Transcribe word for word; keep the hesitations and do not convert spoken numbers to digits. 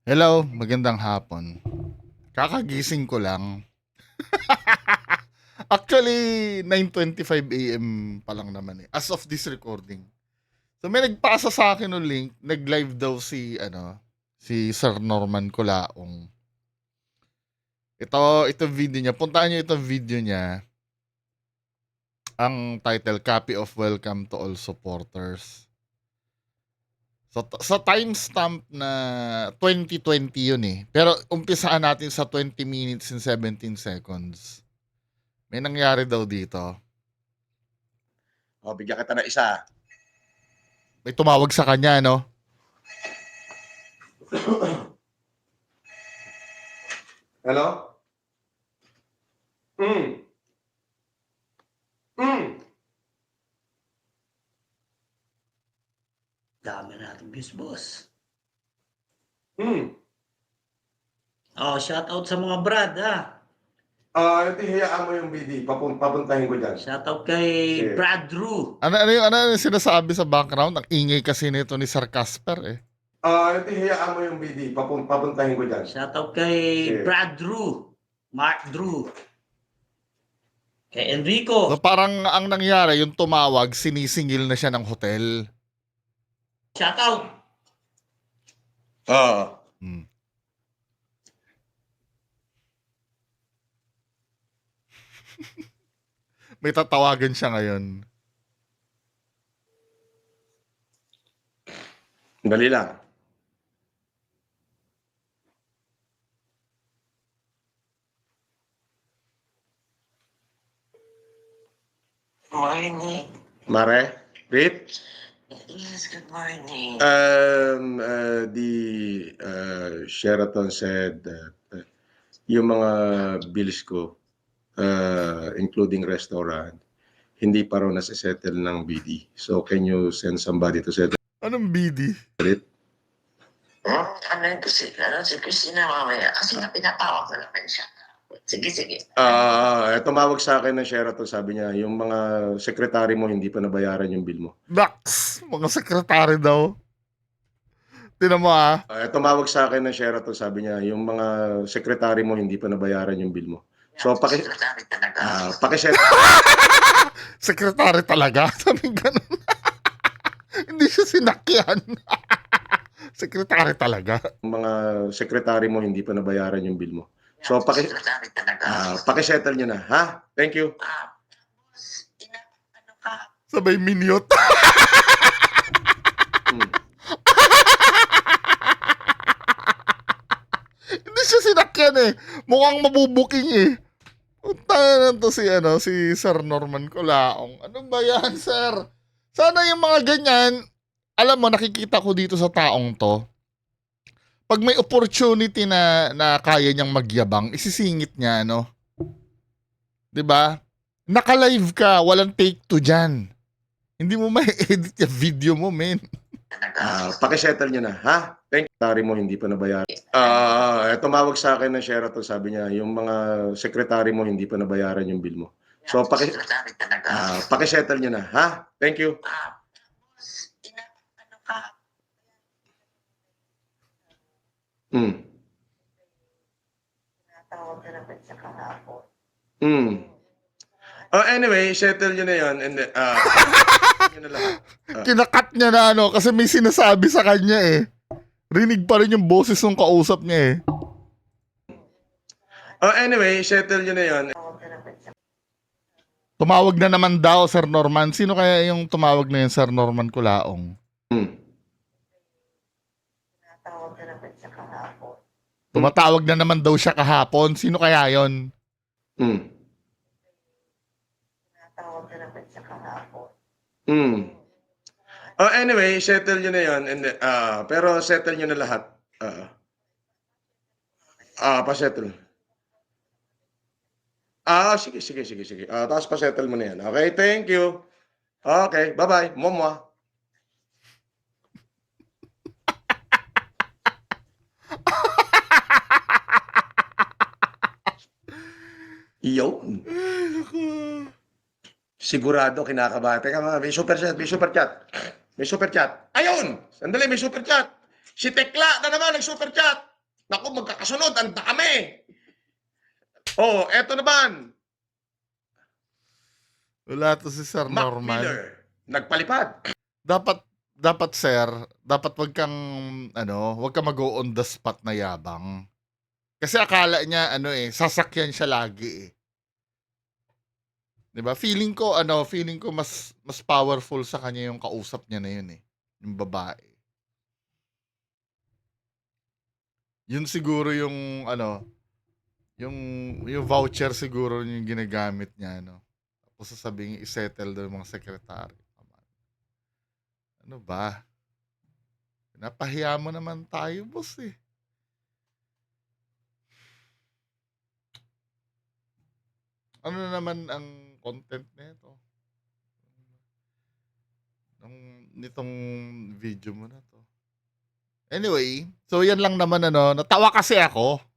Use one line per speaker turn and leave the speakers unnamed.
Hello, magandang hapon. Kakagising ko lang. Actually, nine twenty-five a m pa lang naman eh. As of this recording. So may nagpasa sa akin ng link, nag-live daw si ano, si Sir Norman Colaong. Ito, ito video niya. Puntaan niyo itong video niya. Ang title, Copy of Welcome to All Supporters. So, sa timestamp na twenty twenty yun eh. Pero umpisaan natin sa twenty minutes and seventeen seconds. May nangyari daw dito.
O, bigyan kita ng isa.
May tumawag sa kanya, no?
Hello? Mm. Mm.
Dami natin views, boss.
Mm.
Oh, shout out sa mga brad, ha.
Ah, ito hiyaan mo yung B D. Papun papuntahin ko diyan.
Shout out kay
Sige.
Brad Drew.
Ano, ano, yung, ano yung sinasabi sa background? Ang ingay kasi nito ni Sir Casper, eh.
Ah, ito hiyaan mo yung B D. Papun papuntahin ko diyan.
Shout out kay
Sige.
Brad Drew. Mark Drew. Kay Enrico.
So parang ang nangyari, yung tumawag, sinisingil na siya ng hotel.
Shout out.
Oo.
Hmm. May tatawagan siya ngayon.
Dali lang.
Morning.
Mare? Rit?
Yes, good morning.
Um, uh, the uh, Sheraton said that uh, yung mga bills ko, uh, including restaurant, hindi pa raw nasisettle ng B D. So, can you send somebody to settle
Anong B D?
it?
Hmm? Ano yun si, ano, si Christina mamaya? Kasi nga pinatawag ko naman siya. Sige, sige.
Ah, uh, tumawag sa akin ng Sheraton, sabi niya, yung mga sekretary mo hindi pa nabayaran yung bill mo.
Dax! Mga sekretary daw. Tinan mo ah.
Uh, tumawag sa akin ng Sheraton, sabi niya, yung mga sekretary mo hindi pa nabayaran yung bill mo. So, paki
Secretary talaga.
ah, paki-set
Sekretary talaga. Sabi ganun. Hindi siya sinakyan. Sekretary talaga.
yung mga sekretary mo hindi pa nabayaran yung bill mo. So, paki
Secretary talaga.
ah, paki-settle niyo na, ha? Thank you.
Ah, boss, ina, ano ka?
Sabay minyot.
Hmm.
Hindi siya sinakyan eh. Mukhang mabubuking eh. Punta na to si, ano, si Sir Norman Colaong. Ano ba yan, sir? Sana yung mga ganyan, alam mo, nakikita ko dito sa taong to, pag may opportunity na, na kaya niyang magyabang, isisingit niya, ano? 'Di ba? Naka-live ka, walang take two dyan. Hindi mo ma-edit yung video mo, men.
Talaga.
Ah, paki-settle niyo na, ha? Thank you. Sekretary mo hindi pa nabayaran. Ah, uh, tumawag sa akin ng Sheraton, sabi niya, yung mga sekretary mo hindi pa nabayaran yung bill mo. So, paki
Secretary talaga.
ah, paki-settle niyo na, ha? Thank you.
Ah, boss, ina, ano ka?
Hmm.
Pinatawag ka naman siya kahapon.
Hmm. Oh, anyway, settle niyo na 'yon and then ah yun na lahat.
Kinakat niya na, ano, kasi may sinasabi sa kanya eh. Rinig pa rin yung boses ng kausap niya eh.
Oh, anyway, settle niyo na 'yon.
Tawag ka naman siya.
Tumawag na naman daw, Sir Norman. Sino kaya yung tumawag na yun, Sir Norman Colaong?
Hmm.
Pinatawag ka naman siya kahapon.
Tumatawag na naman daw siya kahapon. Sino kaya yon?
Hmm.
Pinatawag ka naman siya kahapon.
Hmm. Oh, anyway, settle niyo na 'yon and then, ah pero settle niyo na lahat. Ah. Ah, pa-settle. Ah, sige, sige, sige, sige. Ah, tapos pa-settle mo na 'yan. Okay, thank you. Okay, bye-bye. Momwa. Iyon. Sigurado kinakabahan. Teka mga, may super chat, may super chat. May super chat. Ayun! Sandali, may super chat. Si Tekla na naman nag-super chat. Naku, magkakasunod, ang dami. Oh, eto naman,
Wala to si Sir
Mac
Norman.
Miller, nagpalipad.
Dapat, dapat sir, dapat wag kang, ano, wag kang mag-go on the spot na yabang. Kasi akala niya, ano eh, sasakyan siya lagi eh. 'Di ba? Feeling ko, ano, feeling ko mas, mas powerful sa kanya yung kausap niya na yun eh. Yung babae. Yun siguro yung, ano, yung, yung voucher siguro yung ginagamit niya, ano. Tapos sasabihin, isettle daw yung mga sekretary. Ano ba? Napahiya mo naman tayo, boss eh. Ano na naman ang content nito? Nung nitong video mo na to. Anyway, so yan lang naman ano, natawa kasi ako.